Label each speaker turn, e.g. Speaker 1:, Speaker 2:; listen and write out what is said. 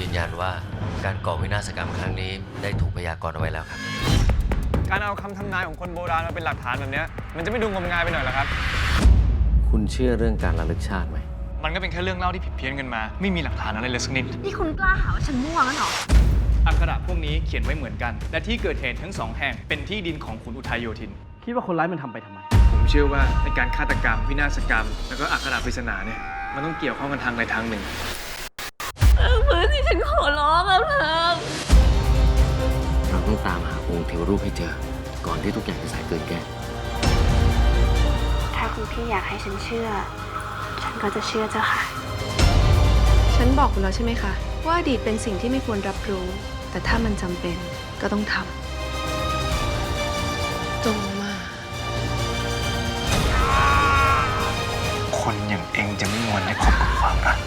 Speaker 1: ยืนยันว่าการก่อวินาศกรรมครั้งนี้ได้ถูกพยากรณ์เอาไว้แล้วครับ
Speaker 2: การเอาคำทำนายของคนโบราณมาเป็นหลักฐานแบบนี้มันจะไม่ดูงมงายไปหน่อยเหรอครับ
Speaker 1: คุณเชื่อเรื่องการระลึกชาติไหม
Speaker 2: มันก็เป็นแค่เรื่องเล่าที่ผิดเพี้ยนกันมา ไม่มีหลักฐานอะไรเลยสักนิด
Speaker 3: นี่คุณกล้าหาว่าฉันมั่วงั้นเหรอ
Speaker 2: อักขระพวกนี้เขียนไว้เหมือนกัน และที่เกิดเหตุทั้งสองแห่งเป็นที่ดินของขุนอุทัยโยธิน
Speaker 4: คิดว่าคนร้ายมันทำไปทำไม
Speaker 2: ผมเชื่อว่าในการฆาตกรรมวินาศกรรม แล้วก็อักขระปริศนาเนี่ยมันต้องเกี่ยวข้องกันทางใดทางหนึ่ง
Speaker 3: มือที่ฉันขอร้องแล้วเธอ
Speaker 1: เราต้องตามหาองค์เทวรูปให้เจอ ก่อนที่ทุกอย่างจะสายเกินแก้
Speaker 5: ถ้าคุณพี่อยากให้ฉันเชื่อ ฉันก็จะเชื่อเจ้าค่ะ
Speaker 6: ฉันบอกคุณแล้วใช่ไหมคะ ว่าอดีตเป็นสิ่งที่ไม่ควรรับรู้ แต่ถ้ามันจำเป็นก็ต้องทำจงมา
Speaker 2: คนอย่างเองจะไม่มวนได้คบกับความรัก